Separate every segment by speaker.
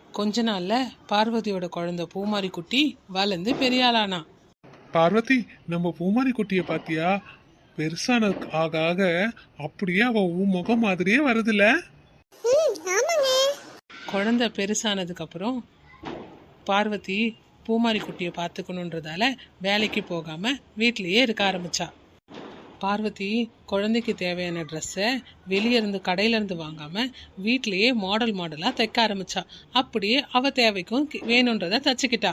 Speaker 1: கொஞ்ச நாள்ல பார்வதியோட குழந்தை பூமாரி குட்டி வளர்ந்து பெரிய ஆளானா.
Speaker 2: பார்வதி, நம்ம பூமாரி குட்டிய பாத்தியா? பெருசான ஆக ஆக அப்படியே அவ உன் முகம் மாதிரியே வருதுல.
Speaker 1: குழந்தை பெருசானதுக்கு அப்புறம் பார்வதி பூமாரி குட்டியை பார்த்துக்கணுன்றதால வேலைக்கு போகாம வீட்லயே இருக்க ஆரம்பிச்சா. பார்வதி குழந்தைக்கு தேவையான ட்ரெஸ்ஸை வெளியே இருந்து கடையில இருந்து வாங்காம வீட்லயே மாடல் மாடலா தைக்க ஆரம்பிச்சா. அப்படியே அவ தேவைக்கும் வேணுன்றத தச்சுக்கிட்டா.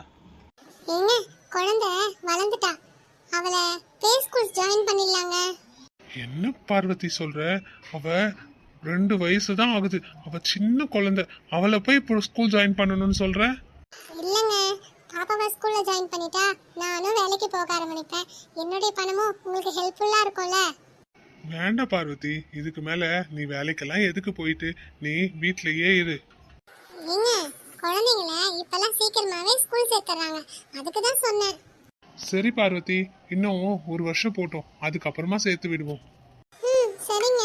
Speaker 3: குழந்தை வளர்ந்துட்டா, அவளை ப்ளே ஸ்கூல் ஜாயின் பண்ணிடலாங்க.
Speaker 2: என்ன பார்வதி சொல்ற? அவ 2 வயசு தான் ஆகுது. அவ சின்ன குழந்தை. அவளை போய் இப்போ ஸ்கூல் ஜாயின் பண்ணணும்னு சொல்ற?
Speaker 3: இல்லைங்க, பாப்பாவை ஸ்கூல்ல ஜாயின் பண்ணிட்டா நானும் வேலைக்கு போக ஆரம்பிப்பேன். என்னுடைய பணமும் உங்களுக்கு ஹெல்ப்ஃபுல்லா இருக்கும்ல.
Speaker 2: வேண்டாம் பார்வதி, இதுக்கு மேல நீ வேலைக்கெல்லாம் எதுக்கு போயிட்டு, நீ வீட்லயே இரு.
Speaker 3: ஏங்க, குழந்தைங்கள இப்பெல்லாம் சீக்கிரமாவே ஸ்கூல் சேர்த்துறாங்க, அதுக்கு தான் சொன்னேன்.
Speaker 2: சரி பார்வதி, இன்னும் 1 வருஷம் போட்டோம், அதுக்கப்புறமா சேர்த்து விடுவோம்.
Speaker 3: சரிங்க.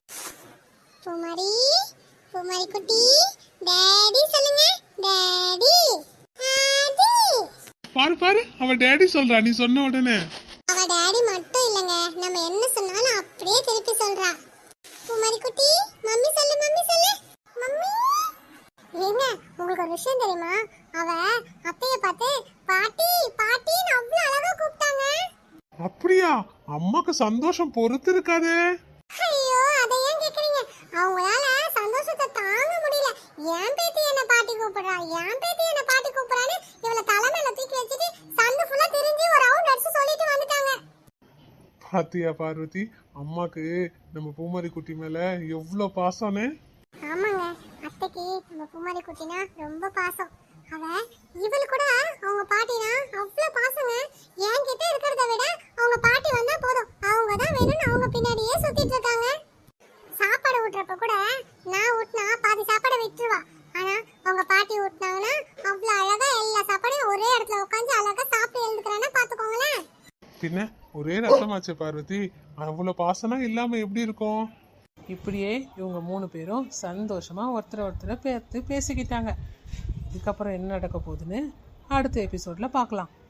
Speaker 3: பூமாரி, பூமாரி குட்டி, டாடி சொல்லுங்க. Daddy, daddy.
Speaker 2: பாரு பாரு, அவ டாடி சொல்றா நீ சொன்ன உடனே.
Speaker 3: அவ டாடி மட்டும் இல்லங்க, நம்ம என்ன சொன்னாலும் அப்படியே திருப்பி சொல்றா. பூமாரி குட்டி, மம்மி சொல்லு, மம்மி சொல்லு, மம்மி. ஏங்க, உங்களுக்கு ஒரு விஷயம் தெரியுமா? அவ அத்தைய பார்த்து பாட்டி பாட்டின்னு அவ்வளவு அழகா கூப்பிட்டாங்க.
Speaker 2: அப்படியா? அம்மாக்கு சந்தோஷம் பொறுத்து இருக்காதே.
Speaker 3: ஐயோ, அதை ஏன் கேக்குறீங்க? அவங்களால சந்தோஷத்தை தாங்க முடியல. ஏன் பேத்தி என்ன பாட்டி கூப்பிடுறா, ஏன் பேத்தி என்ன பாட்டி கூப்பிடுறான்னு இவளை தலைமையில தூக்கி வச்சுட்டு சந்து ஃபுல்லா திரிஞ்சு ஒரு ரவுண்ட் அடிச்சு சொல்லிட்டு வந்துட்டாங்க.
Speaker 2: பாத்தியா பார்வதி, அம்மாக்கு நம்ம பூமாரி குட்டி மேல எவ்வளவு பாசம்னு.
Speaker 3: ஆமாங்க, அத்தைக்கு நம்ம பூமாரி குட்டினா ரொம்ப பாசம். அவ இவள் கூட அவங்க பாட்டினா அவ்வளவு பாசங்க. என்கிட்ட இருக்கிறத விட அவங்க பாட்டி வந்தா போதும், அவங்க தான் வேணும்னு அவங்க பின்னாடியே சுத்திட்டு இருக்காங்க. சாப்பாடு ஊட்டுறப்ப கூட நான் ஊட்டினா பாதி சாப்பாடை விட்டுருவா. ஆனா அவங்க பாட்டி ஊட்டினாங்கன்னா அவ்வளவு அழகா எல்லா சாப்பாடையும் ஒரே இடத்துல உட்காந்து அழகா சாப்பிட்டு எழுந்துக்கிறான்னா பாத்துக்கோங்களேன்.
Speaker 2: பின்ன ஒரே ரத்தமாச்சு பார்வதி, அவ்வளவு பாசனா இல்லாம எப்படி இருக்கும்?
Speaker 1: இப்படியே இவங்க 3 பேரும் சந்தோஷமா ஒருத்தரை பார்த்து பேசிக்கிட்டாங்க. இதுக்கப்புறம் என்ன நடக்க போகுதுன்னு அடுத்த எபிசோட்ல பார்க்கலாம்.